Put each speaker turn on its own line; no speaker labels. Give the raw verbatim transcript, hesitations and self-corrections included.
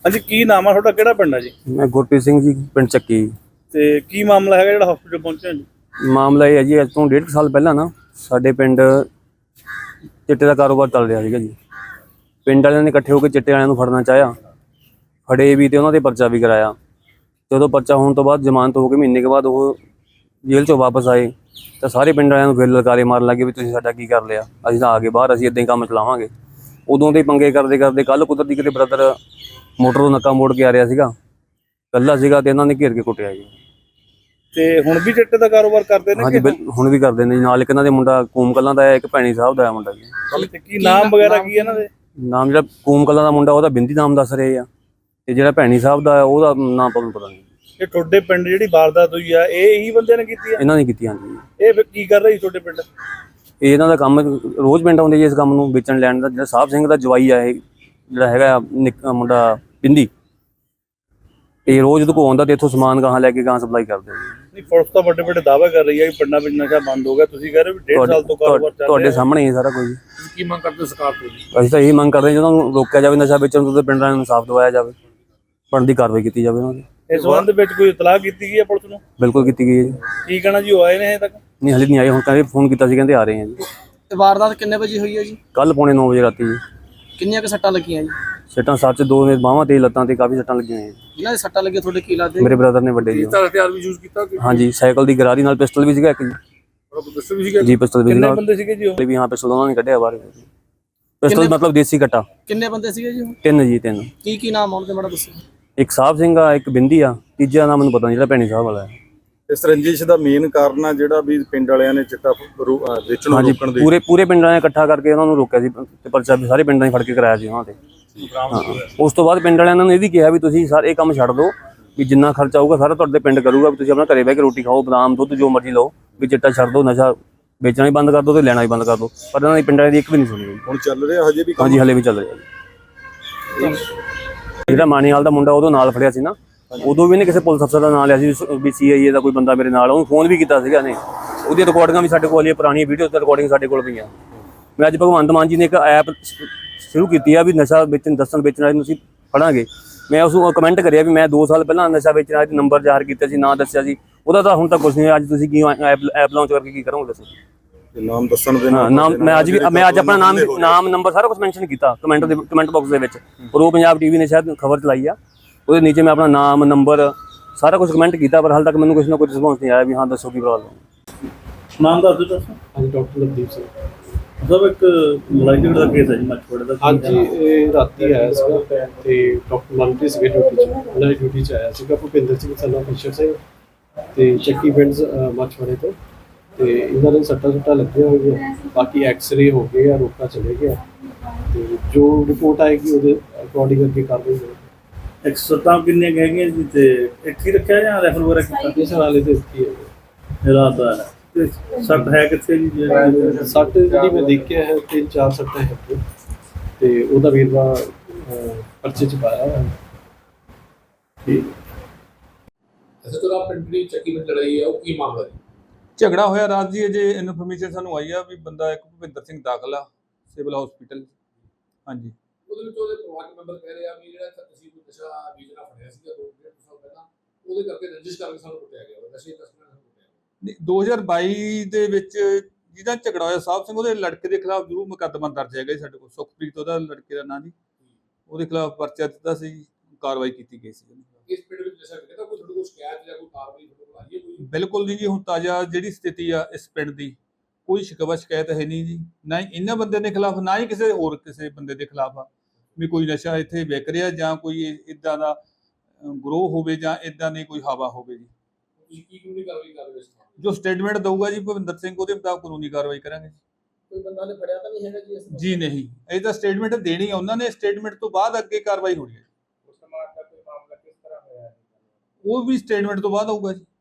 ਹਾਂਜੀ, ਕੀ ਨਾਮ ਆ ਤੁਹਾਡਾ, ਕਿਹੜਾ ਪਿੰਡ ਆ ਜੀ?
मैं गुरप्रीत सिंह जी पिंड ਚੱਕੀ।
ਤੇ ਕੀ ਮਾਮਲਾ ਹੈਗਾ ਜਿਹੜਾ ਹਸਪੀਟਲ ਪਹੁੰਚੇ ਜੀ?
ਮਾਮਲਾ ਇਹ ਹੈ ਜੀ, ਅੱਜ ਤੋਂ ਡੇਢ ਸਾਲ ਪਹਿਲਾਂ ਨਾ ਸਾਡੇ ਪਿੰਡ ਚਿੱਟੇ ਦਾ ਕਾਰੋਬਾਰ ਚੱਲ ਰਿਹਾ ਸੀਗਾ ਜੀ। ਪਿੰਡ ਵਾਲਿਆਂ ਨੇ ਇਕੱਠੇ ਹੋ ਕੇ ਚਿੱਟੇ ਵਾਲਿਆਂ ਨੂੰ ਫੜਨਾ ਚਾਹਿਆ, ਫੜੇ ਵੀ ਤੇ ਉਹਨਾਂ ਦੇ ਪਰਚਾ ਵੀ ਕਰਾਇਆ। ਜਦੋਂ ਪਰਚਾ ਹੋਣ ਤੋਂ ਬਾਅਦ ਜ਼ਮਾਨਤ ਹੋ ਕੇ ਮਹੀਨੇ ਕੇ ਬਾਅਦ ਉਹ ਜੇਲ੍ਹ ਚੋਂ ਵਾਪਸ ਆਏ ਤਾਂ ਸਾਰੇ ਪਿੰਡ ਵਾਲਿਆਂ ਨੂੰ ਫਿਰ ਲਲਕਾਰੇ ਮਾਰਨ ਲੱਗੇ ਵੀ ਤੁਸੀਂ ਸਾਡਾ ਕੀ ਕਰ ਲਿਆ, ਅਸੀਂ ਤਾਂ ਆ ਗਏ ਬਾਹਰ, ਅਸੀਂ ਇੱਦਾਂ ਹੀ ਕੰਮ ਚਲਾਵਾਂਗੇ। ਉਦੋਂ ਦੇ ਪੰਗੇ ਕਰਦੇ ਕਰਦੇ ਕੱਲ੍ਹ ਕੁਦਰਤੀ ਕਿਤੇ ਬ੍ਰਦਰ ਮੋਟਰ ਤੋਂ ਨੱਕਾ ਮੋੜ ਕੇ ਆ ਰਿਹਾ ਸੀਗਾ, ਇਕੱਲਾ ਸੀਗਾ ਤੇ ਇਹਨਾਂ ਨੇ ਘੇਰ ਕੇ ਕੁੱਟਿਆ ਜੀ।
ਤੇ ਹੁਣ ਵੀ ਚਿੱਟੇ ਦਾ ਕਾਰੋਬਾਰ ਕਰਦੇ ਨੇ?
ਹਾਂਜੀ, ਹੁਣ ਵੀ ਕਰਦੇ ਨੇ ਜੀ। ਨਾਲ ਇੱਕ ਇਹਨਾਂ ਦੇ ਮੁੰਡਾ ਕੂਮ ਕਲਾਂ ਦਾ ਹੈ, ਇੱਕ ਭੈਣੀ ਸਾਹਿਬ ਦਾ ਹੈ ਮੁੰਡਾ ਜੀ।
ਤੇ ਕੀ ਨਾਮ ਵਗੈਰਾ ਕੀ ਇਹਨਾਂ ਦੇ?
ਨਾਮ ਜਿਹੜਾ ਕੂਮ ਕਲਾਂ ਦਾ ਮੁੰਡਾ ਉਹਦਾ ਬਿੰਦੀ ਨਾਮ ਦੱਸ ਰਹੇ ਆ, ਤੇ ਜਿਹੜਾ ਭੈਣੀ ਸਾਹਿਬ ਦਾ ਉਹਦਾ ਨਾਮ ਤੁਹਾਨੂੰ ਪਤਾ ਨਹੀਂ।
ਇਹ ਤੁਹਾਡੇ ਪਿੰਡ ਜਿਹੜੀ ਵਾਰਦਾਤ ਹੋਈ ਆ, ਇਹ ਇਹੀ ਬੰਦੇ ਨੇ ਕੀਤੀ ਆ?
ਇਹਨਾਂ ਨੇ ਕੀਤੀ। ਹਾਂਜੀ।
ਇਹ ਫਿਰ ਕੀ ਕਰ ਰਹੀ ਤੁਹਾਡੇ ਪਿੰਡ?
ਇਹ ਇਹਨਾਂ ਦਾ ਕੰਮ ਰੋਜ਼ ਪਿੰਡ ਆਉਂਦੇ ਜੀ ਇਸ ਕੰਮ ਨੂੰ ਵੇਚਣ ਲੈਣ ਦਾ। ਜਿਹੜਾ ਸਾਹਿਬ ਸਿੰਘ ਦਾ ਜਵਾਈ ਆ, ਇਹ ਜਿਹੜਾ ਹੈਗਾ ਨਿੱਕਾ ਮੁੰਡਾ ਬਿੰਦੀ, ਇਹ ਰੋਜ਼ ਦੁਕਾਨ ਆਉਂਦਾ ਤੇ ਇੱਥੋਂ ਸਮਾਨ ਗਾਹਾਂ ਲੈ ਕੇ ਗਾਹਾਂ ਸਪਲਾਈ ਕਰਦੇ ਜੀ।
ਨਹੀਂ, ਪੁਲਿਸ ਤਾਂ ਵੱਡੇ ਵੱਡੇ ਦਾਅਵੇ ਕਰ ਰਹੀ ਹੈ ਕਿ ਪਿੰਡਾਂ ਵਿੱਚ ਨਸ਼ਾ ਬੰਦ ਹੋ ਗਿਆ, ਤੁਸੀਂ ਕਹਿ ਰਹੇ ਹੋ ਵੀ ਡੇਢ ਸਾਲ ਤੋਂ ਕਾਰੋਬਾਰ ਚੱਲ ਰਿਹਾ।
ਤੁਹਾਡੇ ਸਾਹਮਣੇ ਹੀ ਸਾਰਾ ਕੁਝ।
ਕੀ ਮੰਗ ਕਰਦੇ ਸਰਕਾਰ ਤੋਂ?
ਅਸੀਂ ਤਾਂ ਇਹੀ ਮੰਗ ਕਰਦੇ ਹਾਂ, ਜਦੋਂ ਨੂੰ ਰੋਕਿਆ ਜਾਵੇ ਨਸ਼ਾ ਵੇਚਣ ਤੋਂ, ਤੇ ਪਿੰਡਾਂ ਨੂੰ ਇਨਸਾਫ ਦਿਵਾਇਆ ਜਾਵੇ, ਬਣਦੀ ਕਾਰਵਾਈ ਕੀਤੀ ਜਾਵੇ ਉਹਨਾਂ ਦੀ।
ਇਸ ਸੰਬੰਧ ਵਿੱਚ ਕੋਈ ਇਤਲਾਹ ਕੀਤੀ ਗਈ ਹੈ ਪੁਲਿਸ ਨੂੰ?
ਬਿਲਕੁਲ ਕੀਤੀ ਗਈ ਹੈ ਜੀ।
ਕੀ ਕਹਿਣਾ ਜੀ, ਉਹ ਆਏ ਨੇ ਹਜੇ ਤੱਕ?
ਨਹੀਂ, ਹਲੇ ਨਹੀਂ ਆਏ। ਹੁਣ ਕਹਿੰਦੇ ਫੋਨ ਕੀਤਾ ਸੀ, ਕਹਿੰਦੇ ਆ ਰਹੇ ਆ ਜੀ।
ਤੇ ਵਾਰਦਾਤ ਕਿੰਨੇ ਵਜੇ ਹੋਈ ਹੈ ਜੀ?
ਕੱਲ ਪੌਣੇ ਨੌ ਵਜੇ ਰਾਤੀ ਜੀ।
ਕਿੰਨੀਆਂ ਕੁ ਸੱਟਾਂ ਲੱਗੀਆਂ ਜੀ?
ਸੱਟਾਂ ਸੱਚ ਦੋ ਨੇ, ਬਾਹਾਂ ਤੇ ਲੱਤਾਂ ਤੇ ਕਾਫੀ ਸੱਟਾਂ ਲੱਗੀਆਂ ਜੀ।
ਜਿਨ੍ਹਾਂ ਦੇ ਸੱਟਾਂ ਲੱਗੀਆਂ ਤੁਹਾਡੇ ਕੀ ਲੱਗਦੇ?
ਮੇਰੇ ਬ੍ਰਦਰ ਨੇ ਵੱਡੇ ਜੀ।
ਹਥਿਆਰ ਵੀ ਯੂਜ਼ ਕੀਤਾ?
ਹਾਂਜੀ, ਸਾਈਕਲ ਦੀ ਗਰਾਰੀ ਨਾਲ ਪਿਸਟਲ ਵੀ ਸੀਗਾ ਇੱਕ ਜੀ।
ਪਿਸਟਲ ਵੀ ਸੀਗਾ
ਜੀ, ਪਿਸਟਲ ਵੀ
ਕਿੰਨੇ
ਸੀਗਾ।
ਬੰਦੇ ਸੀਗੇ ਜੀ ਉਹ?
ਵੀ ਹਾਂ, ਪਿਸਟਲ ਉਹਨਾਂ ਨੇ ਕੱਢਿਆ ਬਾਹਰ। ਪਿਸਟਲ ਮਤਲਬ ਦੇਸੀ ਕੱਟਾ।
ਕਿੰਨੇ ਬੰਦੇ ਸੀਗੇ ਜੀ ਉਹ?
ਤਿੰਨ ਜੀ, ਤਿੰਨ।
ਕੀ ਕੀ ਨਾਮ ਆਉਣ ਤੇ ਮਾੜਾ ਦੱਸੋ।
ਇੱਕ ਸਾਹਿਬ ਸਿੰਘ ਆ, ਇੱਕ ਬਿੰਦੀ ਆ, ਤੀਜਾ ਨਾਮ ਮੈਨੂੰ ਪਤਾ ਨਹੀਂ, ਜਿਹੜਾ ਭੈਣੀ ਸਾਹਿਬ ਵਾਲਾ ਹੈ।
ਇਸ ਰੰਜਿਸ਼ ਦਾ ਮੇਨ ਕਾਰਨ ਆ ਜਿਹੜਾ ਵੀ ਪਿੰਡ ਵਾਲਿਆਂ ਨੇ ਚਿੱਟਾ ਵੇਚਣ ਨੂੰ ਰੋਕਣ ਦੇ।
ਪੂਰੇ ਪੂਰੇ ਪਿੰਡਾਂ ਨੇ ਇਕੱਠਾ ਕਰਕੇ ਉਹਨਾਂ ਨੂੰ ਰੋਕਿਆ ਸੀ ਤੇ ਪਰਚਾ ਵੀ ਸਾਰੇ ਪਿੰਡਾਂ 'ਚ ਫੜ ਕੇ ਕਰਾਇਆ ਸੀ ਉਹਨਾਂ ਤੇ। ਹਾਂ, ਉਸ ਤੋਂ ਬਾਅਦ ਪਿੰਡ ਵਾਲਿਆਂ ਨੇ ਇਹ ਵੀ ਕਿਹਾ ਵੀ ਤੁਸੀਂ ਸਾਰੇ ਇਹ ਕੰਮ ਛੱਡ ਦਿਓ, ਵੀ ਜਿੰਨਾ ਖਰਚਾ ਆਊਗਾ ਸਾਰਾ ਤੁਹਾਡੇ ਪਿੰਡ ਕਰੂਗਾ, ਵੀ ਤੁਸੀਂ ਆਪਣਾ ਘਰੇ ਬਹਿ ਕੇ ਰੋਟੀ ਖਾਓ, ਬਦਾਮ ਦੁੱਧ ਜੋ ਮਰਜ਼ੀ ਲਓ, ਵੀ ਚਿੱਟਾ ਛੱਡ ਦਿਓ, ਨਸ਼ਾ ਵੇਚਣਾ ਵੀ ਬੰਦ ਕਰ ਦਿਓ ਤੇ ਲੈਣਾ ਵੀ ਬੰਦ ਕਰ ਦਿਓ। ਪਰ ਇਹਨਾਂ ਦੀ ਪਿੰਡਾਂ ਦੀ ਇੱਕ ਵੀ ਨਹੀਂ ਸੁਣੀ।
ਹੁਣ ਚੱਲ ਰਿਹਾ ਹਜੇ ਵੀ?
ਹਾਂਜੀ, ਹਲੇ ਵੀ ਚੱਲ ਰਿਹਾ ਜੀ। ਜਿਹੜਾ ਮਾਣੀਵਾਲ ਦਾ ਮੁੰਡਾ ਉਦੋਂ ਨਾਲ ਫੜਿਆ ਸੀ ਨਾ, ਉਦੋਂ ਵੀ ਇਹਨੇ ਕਿਸੇ ਪੁਲਿਸ ਅਫਸਰ ਦਾ ਨਾਂ ਲਿਆ ਸੀ ਵੀ ਸੀ ਆਈ ਏ ਦਾ ਕੋਈ ਬੰਦਾ ਮੇਰੇ ਨਾਲ, ਉਹਨੂੰ ਫੋਨ ਵੀ ਕੀਤਾ ਸੀਗਾ ਨੇ। ਉਹਦੀਆਂ ਰਿਕਾਰਡਿੰਗਾਂ ਵੀ ਸਾਡੇ ਕੋਲ, ਪੁਰਾਣੀਆਂ ਵੀਡੀਓ ਤੇ ਰਿਕਾਰਡਿੰਗ ਸਾਡੇ ਕੋਲ ਪਈਆਂ। ਮੈਂ ਅੱਜ ਭਗਵੰਤ ਮਾਨ ਜੀ ਨੇ ਇੱਕ ਐਪ ਸ਼ੁਰੂ ਕੀਤੀ ਆ ਵੀ ਨਸ਼ਾ ਵੇਚਣ ਦੱਸਣ ਵੇਚਣ ਵਾਲੇ ਨੂੰ ਅਸੀਂ ਫੜਾਂਗੇ। ਮੈਂ ਉਸ ਨੂੰ ਕਮੈਂਟ ਕਰਿਆ ਵੀ ਮੈਂ ਦੋ ਸਾਲ ਪਹਿਲਾਂ ਨਸ਼ਾ ਵੇਚਣ ਵਾਲੇ ਨੰਬਰ ਜ਼ਾਹਰ ਕੀਤਾ ਸੀ, ਨਾਂ ਦੱਸਿਆ ਸੀ, ਉਹਦਾ ਤਾਂ ਹੁਣ ਤੱਕ ਕੁਛ ਨਹੀਂ। ਅੱਜ ਤੁਸੀਂ ਕੀ ਐਪ ਐਪ ਲਾਂਚ ਕਰਕੇ ਕੀ ਕਰੋਗੇ ਦੱਸੋ?
ਨਾਮ ਦੱਸਣ ਦੇ
ਨਾਲ ਨਾਮ ਮੈਂ ਅੱਜ ਵੀ ਮੈਂ ਅੱਜ ਆਪਣਾ ਨਾਮ ਨਾਮ ਨੰਬਰ ਸਾਰਾ ਕੁਝ ਮੈਂਸ਼ਨ ਕੀਤਾ ਕਮੈਂਟ ਦੇ ਕਮੈਂਟ ਬਾਕਸ ਦੇ ਵਿੱਚ। ਪ੍ਰੋ ਪੰਜਾਬ ਟੀਵੀ ਨੇ ਸ਼ਾਇਦ ਖਬਰ ਚਲਾਈ ਆ, ਉਹਦੇ ਨੀਚੇ ਮੈਂ ਆਪਣਾ ਨਾਮ ਨੰਬਰ ਸਾਰਾ ਕੁਝ ਕਮੈਂਟ ਕੀਤਾ, ਪਰ ਹਾਲੇ ਤੱਕ ਮੈਨੂੰ ਕੁਛ ਨਾ ਕੋਈ ਰਿਸਪੌਂਸ ਨਹੀਂ ਆਇਆ ਵੀ ਹਾਂ ਦੱਸੋ ਕੀ ਪ੍ਰੋਬਲਮ।
ਨਾਮ ਦੱਸ ਦਿਓ ਤੁਸੀਂ।
ਹਾਂਜੀ, ਡਾਕਟਰ ਲਵਦੀਪ ਸਿੰਘ
ਸਭ। ਇੱਕ ਲੜਾਈ ਝਗੜੇ ਦਾ ਕੇਸ ਹੈ ਜੀ ਮੱਛਵਾੜੇ ਦਾ।
ਹਾਂਜੀ, ਇਹ ਰਾਤੀ ਆਇਆ ਸੀਗਾ ਤੇ ਡਾਕਟਰ ਮਨਪ੍ਰੀਤ ਸੀਗੇ ਡਿਊਟੀ 'ਚ, ਉਹਨਾਂ ਦੀ ਡਿਊਟੀ 'ਚ ਆਇਆ ਸੀਗਾ ਭੁਪਿੰਦਰ ਸਿੰਘ ਸਨਾ ਫਿਸ਼ਰ ਸਿੰਘ ਤੇ ਚੱਕੀ ਪਿੰਡ ਮੱਛਵਾੜੇ ਤੋਂ। ਤੇ ਇਹਨਾਂ ਦੇ ਸੱਟਾਂ ਸੁੱਟਾਂ ਲੱਗੀਆਂ ਹੋਈਆਂ, ਬਾਕੀ ਐਕਸ-ਰੇ ਹੋ ਗਏ ਆ, ਰੋਕਾ ਚਲੇ ਗਿਆ ਤੇ ਜੋ ਰਿਪੋਰਟ ਆਏਗੀ ਉਹਦੇ ਅਕੋਰਡਿੰਗ ਅੱਗੇ ਕਾਰਵਾਈ ਹੋਵੇਗੀ।
ਇੱਕ ਸੱਟਾਂ ਕਿੰਨੀਆਂ ਹੈਗੀਆਂ ਜੀ? ਤੇ ਇੱਥੇ ਰੱਖਿਆ ਜਾਂ ਰੈਫਰ ਵਗੈਰਾ ਕੀਤਾ?
ਇਸ ਨਾਲੇ ਤੇ ਕੀ ਹੈ
ਰਾਤ ਦਾ ਹੈ ਤੇ ਸੱਟ ਹੈ ਕਿੱਥੇ ਜੀ?
ਸੱਟ ਜਿਹੜੀ ਮੈਂ ਦੇਖਿਆ ਹੈ ਤਿੰਨ ਚਾਰ ਸੱਟਾਂ ਹੈ ਤੇ ਉਹਦਾ ਵੇਰਵਾ ਪਰਚੇ 'ਚ ਪਾਇਆ ਹੋਇਆ।
ਠੀਕ।
ਅੱਛਾ, ਤੁਹਾਡਾ ਪਿੰਡ ਦੀ ਚੱਕੀ ਵਿੱਚ ਲੜਾਈ ਹੈ, ਉਹ ਕੀ ਮਾਮਲਾ ਹੈ?
ਝਗੜਾ ਹੋਇਆ ਰਾਤ ਜੀ। ਅਜੇ ਇਨਫੋਰਮੇਸ਼ਨ ਸਾਨੂੰ ਆਈ ਆ ਵੀ ਬੰਦਾ ਇੱਕ ਭੁਪਿੰਦਰ ਸਿੰਘ ਦਾਖਲ ਆ ਸਿਵਲ ਹਸਪੀਟਲ। ਹਾਂਜੀ,
ਉਹਦੇ ਵਿੱਚ ਉਹਦੇ ਪਰਿਵਾਰਕ ਮੈਂਬਰ ਕਹਿ ਰਹੇ ਆ ਵੀ ਜਿਹੜਾ ਤੁਸੀਂ ਕੋਈ ਨਸ਼ਾ ਵੇਚਣਾ ਫੜਿਆ ਸੀਗਾ ਦੋ ਡੇਢ ਸਾਲ ਪਹਿਲਾਂ, ਉਹਦੇ ਕਰਕੇ ਰੰਜਿਸ਼ ਕਰਕੇ ਸਾਨੂੰ ਕੁੱਟਿਆ ਗਿਆ, ਨਸ਼ੇ ਤਸਕਰਾਂ ਨੂੰ ਕੁੱਟਿਆ।
ਦੋ ਹਜ਼ਾਰ ਬਾਈ ਦੇ ਵਿੱਚ ਜਿਹਦਾ ਝਗੜਾ ਹੋਇਆ ਸਾਹਿਬ ਸਿੰਘ, ਉਹਦੇ ਲੜਕੇ ਦੇ ਖਿਲਾਫ ਜ਼ਰੂਰ ਮੁਕੱਦਮਾ ਦਰਜ ਹੈਗਾ ਜੀ ਸਾਡੇ ਕੋਲ। ਸੁਖਪ੍ਰੀਤ ਉਹਦਾ ਲੜਕੇ ਦਾ ਨਾਂ ਜੀ, ਉਹਦੇ ਖਿਲਾਫ ਪਰਚਾ ਦਿੱਤਾ ਸੀ, ਕਾਰਵਾਈ ਕੀਤੀ ਗਈ ਸੀ।
ਇਸ ਪਿੰਡ ਵਿੱਚ ਨਸ਼ਾ ਵਿਕਦਾ, ਕੋਈ ਤੁਹਾਡੇ ਕੋਲ ਸ਼ਿਕਾਇਤ ਜਾਂ ਕੋਈ ਕਾਰਵਾਈ ਤੁਹਾਡੇ ਕੋਲ ਆਈ ਹੈ ਕੋਈ?
ਬਿਲਕੁਲ ਨਹੀਂ ਜੀ, ਹੁਣ ਤਾਜ਼ਾ ਜਿਹੜੀ ਸਥਿਤੀ ਆ ਇਸ ਪਿੰਡ ਦੀ, ਕੋਈ ਸ਼ਿਕਵਾ ਸ਼ਿਕਾਇਤ ਹੈ ਨਹੀਂ ਜੀ, ਨਾ ਹੀ ਇਹਨਾਂ ਬੰਦੇ ਦੇ ਖਿਲਾਫ, ਨਾ ਹੀ ਕਿਸੇ ਹੋਰ ਕਿਸੇ ਬੰਦੇ ਦੇ ਖਿਲਾਫ ਆ ਵੀ ਕੋਈ ਨਸ਼ਾ ਇੱਥੇ ਵਿਕ ਰਿਹਾ ਜਾਂ ਕੋਈ ਇੱਦਾਂ ਦਾ ਗਰੋਹ ਹੋਵੇ ਜਾਂ ਇੱਦਾਂ ਦੀ ਕੋਈ ਹਵਾ ਹੋਵੇ ਜੀ।
ਤੁਸੀਂ ਕੀ ਕਾਨੂੰਨੀ ਕਾਰਵਾਈ ਕਰ ਰਹੇ ਹੋ?
ਜੋ ਸਟੇਟਮੈਂਟ ਦਊਗਾ ਜੀ ਭੁਪਿੰਦਰ ਸਿੰਘ, ਉਹਦੇ ਮੁਤਾਬਕ ਕਾਨੂੰਨੀ ਕਾਰਵਾਈ ਕਰਾਂਗੇ।
ਕੋਈ ਬੰਦਾ ਨੇ ਫੜਿਆ ਤਾਂ ਨਹੀਂ ਹੈਗਾ ਜੀ ਇਸ ਨੂੰ?
ਜੀ ਨਹੀਂ, ਇਹ ਤਾਂ ਸਟੇਟਮੈਂਟ ਦੇਣੀ ਆ ਉਹਨਾਂ ਨੇ, ਸਟੇਟਮੈਂਟ ਤੋਂ ਬਾਅਦ ਅੱਗੇ ਕਾਰਵਾਈ ਹੋਣੀ ਹੈ।
ਉਸ ਸਮਾਜ ਦਾ ਕੋਈ ਮਾਮਲਾ ਕਿਸ ਤਰ੍ਹਾਂ ਹੋਇਆ ਹੈ?
ਉਹ ਵੀ ਸਟੇਟਮੈਂਟ ਤੋਂ ਬਾਅਦ ਆਊਗਾ ਜੀ।